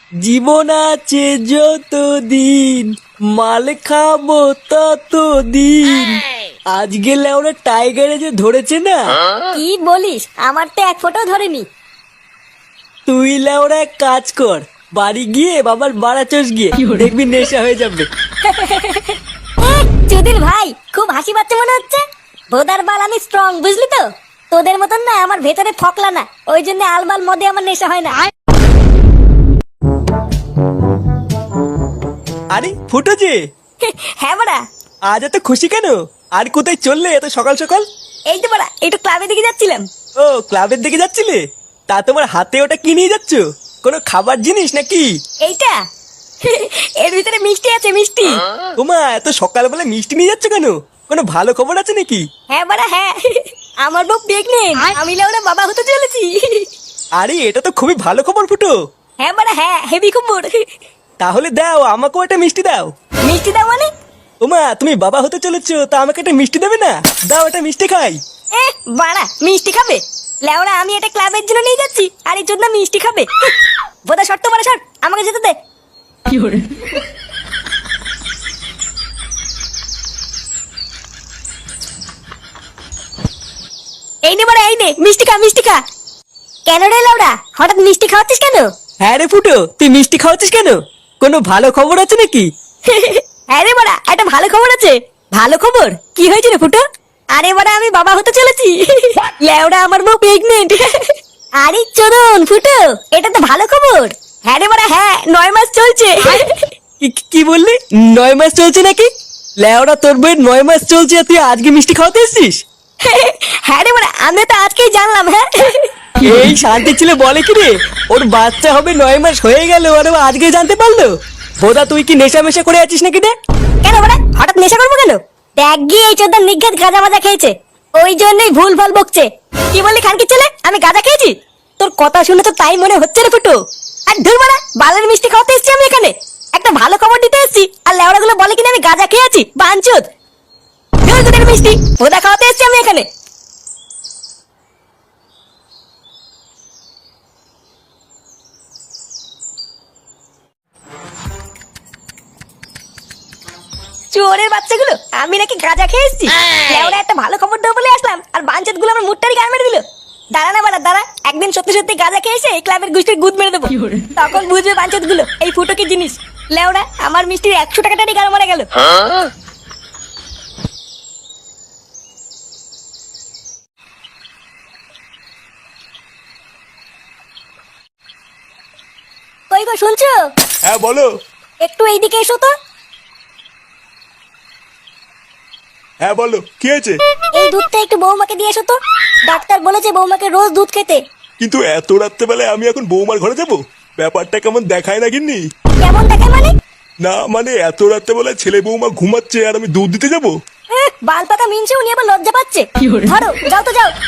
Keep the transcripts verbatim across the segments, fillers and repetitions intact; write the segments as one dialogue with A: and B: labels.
A: জীবন আছে যতদিন, মাল খাবো ততদিন। আজকে লেওরা টাইগারে যে ধরেছে না,
B: কি বলিস? আমার তো এক ফোঁটাও ধরেনি।
A: তুই লেওরা এক কাজ কর, বাড়ি গিয়ে বাবার বাড়া চোষ গিয়ে দেখবি নেশা হয়ে যাবে।
B: চুদির ভাই, খুব হাসি পাচ্ছে মনে হচ্ছে। ভোদার বাল আমি স্ট্রং, বুঝলি তো? তোদের মতন না আমার ভেতরে ফকলা না, ওই জন্য আলবাল মদে আমার নেশা হয় না।
A: আরে ফুটো যে,
B: হ্যাঁ বড়া।
A: আজ এত খুশি কেন? আর কোথায় চললে এত সকাল সকাল?
B: এই তো বড়া, একটু ক্লাবের দিকে যাচ্ছিলাম।
A: ও, ক্লাবের দিকে যাচ্ছিলে? তা তোমার হাতে ওটা কি নিয়ে যাচ্ছ? কোনো খাবার জিনিস নাকি?
B: এইটা এর ভিতরে মিষ্টি আছে, মিষ্টি।
A: তোমা এত সকালবেলা মিষ্টি নিয়ে যাচ্ছ কেন? কোনো ভালো খবর আছে নাকি?
B: হ্যাঁ বড়া হ্যাঁ, আমার বউ প্রেগনেন্ট, আমি লেওরা বাবা হতে চলেছি।
A: আরে এটা তো খুবই ভালো খবর ফুটো।
B: হ্যাঁ বড়া হ্যাঁ, হেভি খবর।
A: তাহলে দাও, আমাকেও একটা মিষ্টি দাও।
B: মিষ্টি দাও মানে?
A: ওমা, তুমি বাবা হতে চলেছো, তা আমাকে একটা মিষ্টি দেবে না? দাও, একটা মিষ্টি খাই।
B: এ বাড়া, মিষ্টি খাবে? লেওরা আমি এটা ক্লাবের জন্য নিয়ে যাচ্ছি, আর এই জন্য মিষ্টি খাবে? বোধা শর্ত বড়া শর্ট, আমাকে যেতে দে। এই নে বড়া, এই নে মিষ্টি খা, মিষ্টি খা। কেন রে লেওরা, হঠাৎ মিষ্টি খাওয়াচ্ছিস কেন?
A: হ্যাঁ রে ফুটো, তুই মিষ্টি খাওয়াচ্ছিস কেন? কোনো ভালো খবর আছে নাকি?
B: হ্যাঁ রে বড়া, একটা ভালো খবর আছে। ভালো খবর? কি হয়েছে রে ফুটো? আরে বড়া, আমি বাবা হতে চলেছি। লেওরা আমার বউ প্রেগনেন্ট। আরে চোদন ফুটো, এটা তো ভালো খবর। হ্যাঁ রে বড়া হ্যাঁ, নয় মাস চলছে।
A: কি কি বললি? নয় মাস চলছে নাকি? লেওরা, তোর বইয়ের নয় মাস চলছে আর তুই আজকে মিষ্টি খাওয়াতে এসছিস?
B: হ্যাঁ রে বড়া, আমি তো আজকেই জানলাম। হ্যাঁ,
A: এই শান্তি ছিল বলে কি রে, ওর বাচ্চা হবে নয় মাস হয়ে গেল আর ও আজকে জানতে পারলো? বোধা তুই কি নেশা মেশা করে আছিস নাকি রে?
B: কেন বড়া, হঠাৎ নেশা করবো কেন? দেখ গিয়ে এই চোদ্দার নিঘাত গাঁজা মাজা খেয়েছে, ওই জন্যই ভুল ভাল বকছে। কি বললি খানকি ছেলে, আমি গাঁজা খেয়েছি? তোর কথা শুনে তো তাই মনে হচ্ছে রে ফুটো। আর ধুর বড়া, বালের মিষ্টি খাওয়াতে এসেছি আমি এখানে, একটা ভালো খবর দিতে এসেছি, আর লেওড়া গুলো বলে কিনা আমি গাঁজা খেয়েছি। বাঞ্চুদ, ধুর তোদের মিষ্টি, ভোদা খাওয়াতে এসেছি আমি এখানে। চোরের বাচ্চাগুলো, আমি নাকি গাঁজা খেয়ে এসেছি? লেওড়া একটা ভালো খবর দেবো বলে আসলাম, আর বাঞ্চুদ গুলো আমার মুটটারি গায়ে মেরে দিল। দাঁড়া না বাড়া দাঁড়া, একদিন সত্যি সত্যি গাঁজা খেয়ে এসে এই ক্লাবের গোষ্ঠীর গুদ মেরে দেবো, তখন বুঝবে বাঞ্চুদ গুলো এই ফুটো কি জিনিস। লেওড়া, আমার মিষ্টির একশো টাকাটারই গাড়ো মারা গেল। কই গো, শুনছো?
C: হ্যাঁ বলো।
B: একটু এইদিকে এসো তো।
C: হ্যাঁ বলো, কি হয়েছে?
B: এই দুধটা একটু বৌমাকে দিয়ে এসো তো, ডাক্তার বলেছে বৌমাকে রোজ দুধ খেতে।
C: কিন্তু এত রাত্রেবেলায় আমি এখন বৌমার ঘরে যাব? ব্যাপারটা কেমন দেখায় না গিন্নি?
B: কেমন দেখায় মানে?
C: না মানে এত রাত্রেবেলায় ছেলে বৌমা ঘুমাচ্ছে আর আমি দুধ দিতে যাব?
B: এহ, বাল পাকা মিনছে, উনি আবার লজ্জা পাচ্ছে। ধরো, যাও তো যাও।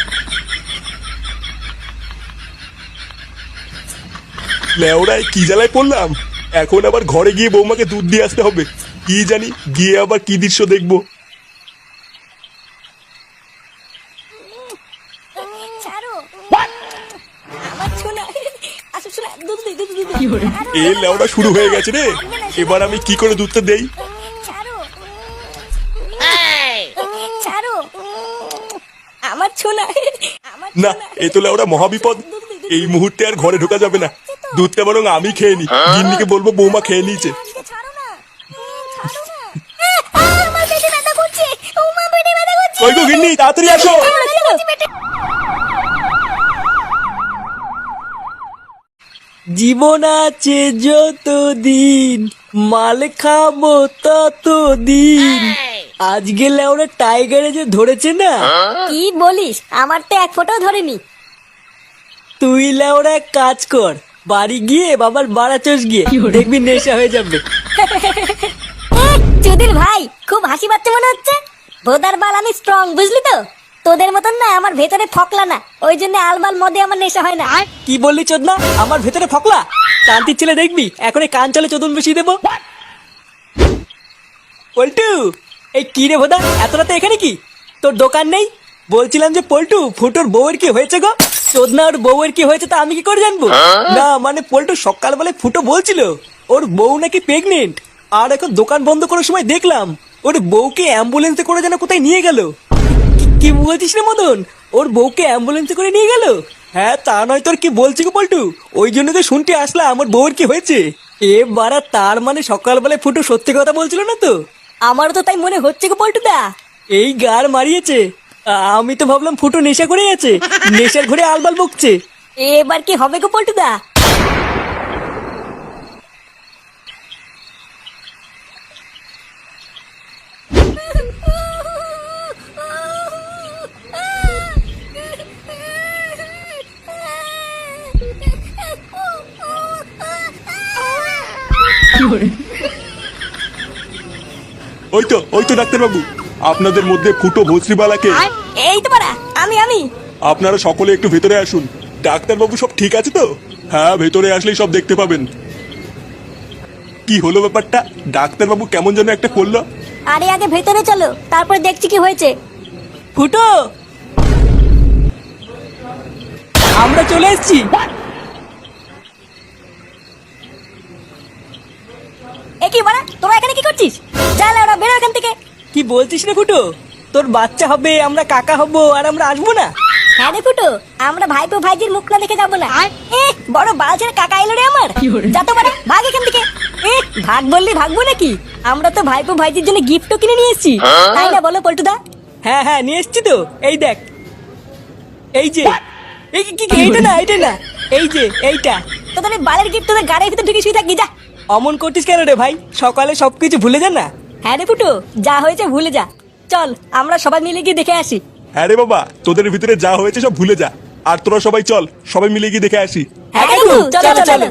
C: লেওড়ায় কি জ্বালায় পড়লাম, এখন আবার ঘরে গিয়ে বৌমাকে দুধ দিয়ে আসতে হবে। কি জানি গিয়ে আবার কি দৃশ্য দেখবো।
B: ছাড়ো, আমার ছোনা। আসো ছোনা, দুধ দিই, দুধ দিই।
C: এ লেওড়া শুরু হয়ে গেছে রে, এবার আমি কি করে দুধটা দেই?
B: ছাড়ো, ছাড়ো, আমার ছোনা, আমার
C: না,
B: ছোনা।
C: এ তো লেওড়া মহাবিপদ। এই মুহূর্তে আর ঘরে ঢোকা যাবে না, দুধটা বরং আমি খেয়ে নি। গিন্নিকে বলবো বৌমা খেয়ে নিয়েছে।
B: ছাড়ো না, ছাড়ো না। আহ, আমার পেটে ব্যথা করছে, ও মা, পেটে ব্যথা করছে।
C: কই গো গিন্নি, তাড়াতাড়ি আসো।
A: জীবন আছে যতদিন, মাল খাবো ততদিন। আজকে লেওরা টাইগারে যে ধরেছে না,
B: কি বলিস? আমার তো এক ফোঁটাও ধরেনি।
A: তুই লেওরা এক কাজ কর, বাড়ি গিয়ে বাবার বাড়া চোষ গিয়ে দেখবি নেশা হয়ে যাবে।
B: চুদির ভাই, খুব হাসি পাচ্ছে মনে হচ্ছে। ভোদার বাল আমি স্ট্রং, বুঝলি তো? তোদের মতন না আমার ভেতরে ফকলা না, ওই জন্য আলবাল মদে আমার নেশা হয় না।
A: কি বললি চোদনা, আমার ভেতরে ফকলা? কান্তির ছেলে দেখবি এখন এই কান চলে চোদন বসিয়ে দেবো। পল্টু, এই কি রে ভোদা, এত রাতে এখানে কি? তোর দোকান নেই? বলছিলাম যে পল্টু, ফুটোর বউয়ের কি হয়েছে গো? চোদনা ওর বউয়ের কি হয়েছে তা আমি কি করে জানবো? না মানে পল্টু সকালবেলায় ফুটো বলছিল ওর বউ নাকি প্রেগনেন্ট, আর এখন দোকান বন্ধ করার সময় দেখলাম ওর বউকে অ্যাম্বুলেন্সে করে যেন কোথায় নিয়ে গেল। কি- কি বলছিস রে মদন, ওর বউকে অ্যাম্বুলেন্সে করে নিয়ে গেল? হ্যাঁ তা নয় তোর কি বলছি গো পল্টু, ওই জন্য তো শুনতে আসলাম আমার বউয়ের কি হয়েছে। এ বাড়া, তার মানে সকালবেলায় ফুটো সত্যি কথা বলছিল না তো?
B: আমারও তো তাই মনে হচ্ছে গো পল্টুদা।
A: এই গার মারিয়েছে। আমি তো ভাবলাম ফুটো নেশা করে আছে, নেশার ঘরে আলবাল বকছে।
B: এবার কি হবে গো পল্টুদা?
C: ওই তো ওই তো ডাক্তারবাবু, আপনাদের মধ্যে ফুটো ভস্রিবালাকে।
B: এই তো পারা, আমি আমি
C: আপনারা সকলে একটু ভেতরে আসুন। ডাক্তারবাবু সব ঠিক আছে তো? হ্যাঁ, ভেতরে আসলেই সব দেখতে পাবেন। কি হলো ব্যাপারটা? ডাক্তারবাবু কেমন যেন একটা করলো।
B: আরে আগে ভেতরে চলো, তারপর দেখছি কি হয়েছে।
A: ফুটো, আমরা চলে এসেছি।
B: এ কি বাড়া, তোরা এখানে কি করছিস? যা ওরা বেরো এখান থেকে।
A: কি বলছিস রে ফুটো? তোর বাচ্চা হবে, আমরা কাকা হব, আর আমরা আসবো না?
B: হ্যাঁ রে ফুটো, আমরা ভাইপো ভাইজির মুখ না দেখে যাবো না। এ বড় বালছের কাকা এলো রে আমার। যা তো বাড়া, ভাগ এখান থেকে। এ ভাগ বললি ভাগবো নাকি? আমরা তো ভাইপো ভাইজির জন্য গিফটও কিনে নিয়ে এসেছি, তাই না বলো পল্টুদা?
A: হ্যাঁ হ্যাঁ নিয়ে এসছি তো, এই দেখ, এই যে। এই কি- কি কি- এইটা না, এইটা না, এই যে এইটা।
B: তোদের এই বালের গিফট তোদের গাড়ির ভিতরে ঢুকে শুয়ে থাকবি, যা।
A: অমন করছিস কেন রে ভাই? সকালে সবকিছু ভুলে যা না।
B: হ্যাঁ রে ফুটো, যা হয়েছে ভুলে যা। চল আমরা সবাই মিলে গিয়ে দেখে আসি।
C: হ্যাঁ রে বাবা, তোদের ভিতরে যা হয়েছে সব ভুলে যা। আর তোরা সবাই চল, সবাই মিলে গিয়ে দেখে আসি।
B: হ্যাঁ
A: কাকু,
B: কাকু, চলো
A: চলো,
B: চলো
A: চলো।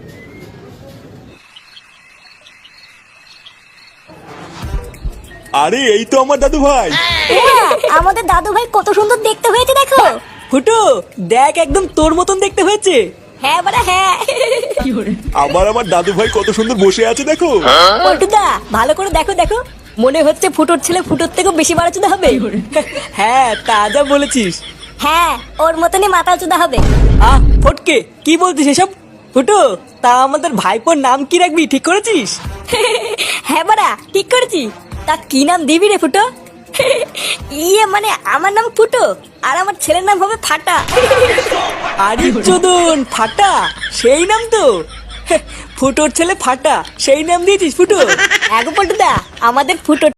C: আরে এই তো আমার দাদু ভাই।
B: এমা, আমাদের দাদু ভাই কত সুন্দর দেখতে হয়েছে দেখো।
A: ফুটো দেখ, একদম তোর মতন দেখতে হয়েছে।
B: হ্যাঁ বাড়া হ্যাঁ।
C: আবার আমার দাদু ভাই কত সুন্দর বসে আছে দেখো।
B: পল্টুদা ভালো করে দেখো দেখো, মনে হচ্ছে ফুটোর ছেলে ফুটোর থেকেও বেশি বাড়াচুদা হবে।
A: হ্যাঁ তা যা বলেছিস।
B: হ্যাঁ, ওর মতনই মাথা চুদা হবে।
A: আহ ফটকে, কি বলছিস এসব? ফুটো, তা আমাদের ভাইপোর নাম কি রাখবি ঠিক করেছিস?
B: হ্যাঁ বাড়া ঠিক করেছি। তা কি নাম দিবি রে ফুটো? ইয়ে মানে আমার নাম ফুটো, আর আমার ছেলের নাম হবে ফাটা।
A: আরে চোদন, ফাটা সেই নাম তো। ফুটোর ছেলে ফাটা, সেই নাম দিয়েছিস ফুটো?
B: এক পল্টুদা, আমাদের ফুটো